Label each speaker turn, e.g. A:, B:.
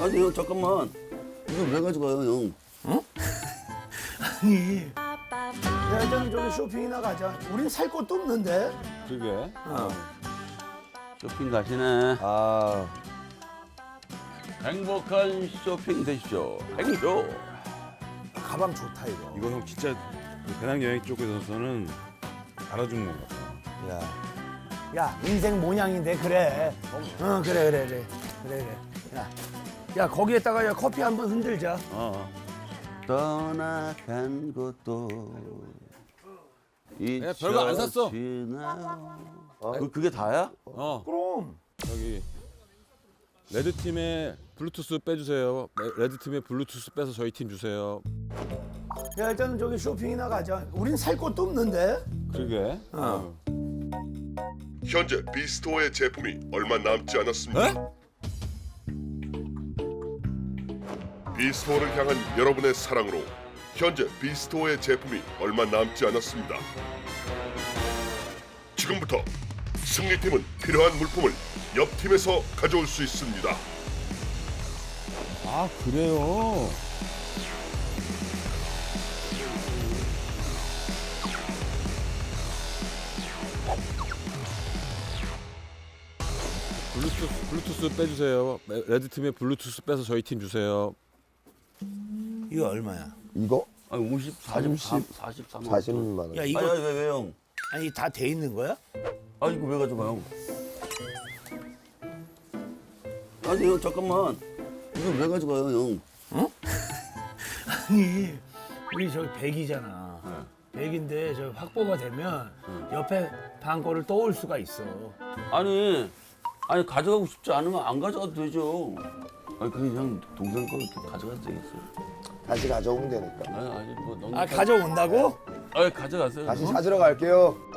A: 아니 형 잠깐만. 이거 왜 가져가요 형?
B: 아니, 야, 일단 저기 쇼핑이나 가자. 우린 살 것도 없는데.
C: 그러게.
A: 쇼핑 가시네.
C: 아,
A: 행복한 쇼핑 되십시오. 행쇼.
B: 가방 좋다 이거.
C: 이거 형 진짜 배낭여행 쪽에서는 알아주는 것 같아.
B: 야, 야, 인생 모양인데 그래. 그래. 야, 거기에다가 야, 커피 한번 흔들자.
A: 떠나간 것도
C: 야, 별거 안 샀어.
A: 그게 다야?
B: 그럼.
C: 저기 레드 팀에 블루투스 빼주세요. 레드 팀에 블루투스 빼서 저희 팀 주세요.
B: 야, 일단 저기 쇼핑이나 가자. 우린 살 것도 없는데.
C: 그러게.
D: 현재 비스토어의 제품이 얼마 남지 않았습니다.
C: 에?
D: 비스토어를 향한 여러분의 사랑으로 현재 비스토어의 제품이 얼마 남지 않았습니다. 지금부터 승리팀은 필요한 물품을 옆팀에서 가져올 수 있습니다.
C: 아, 그래요. 블루투스 빼주세요. 레드 팀에 블루투스 빼서 저희 팀 주세요.
B: 이거 얼마야?
E: 이거
A: 아니 43만
E: 40만 원.
B: 야, 이거
A: 아니 왜 형?
B: 아니 다 돼 있는 거야?
A: 아 이거 왜 가져가 형? 아니 형 잠깐만. 이거 왜 가져가요 형?
B: 아니, 우리 저기 100이잖아. 100인데 저 확보가 되면 옆에 방 거를 떠올 수가 있어.
A: 아니 가져가고 싶지 않으면 안 가져가도 되죠. 아니 그냥 동생 거 이렇게 가져가도 되겠어요.
E: 다시 가져오면 되니까.
A: 아니 뭐 너무
B: 아, 가져온다고?
A: 아니 가져가세요.
E: 다시 찾으러 갈게요.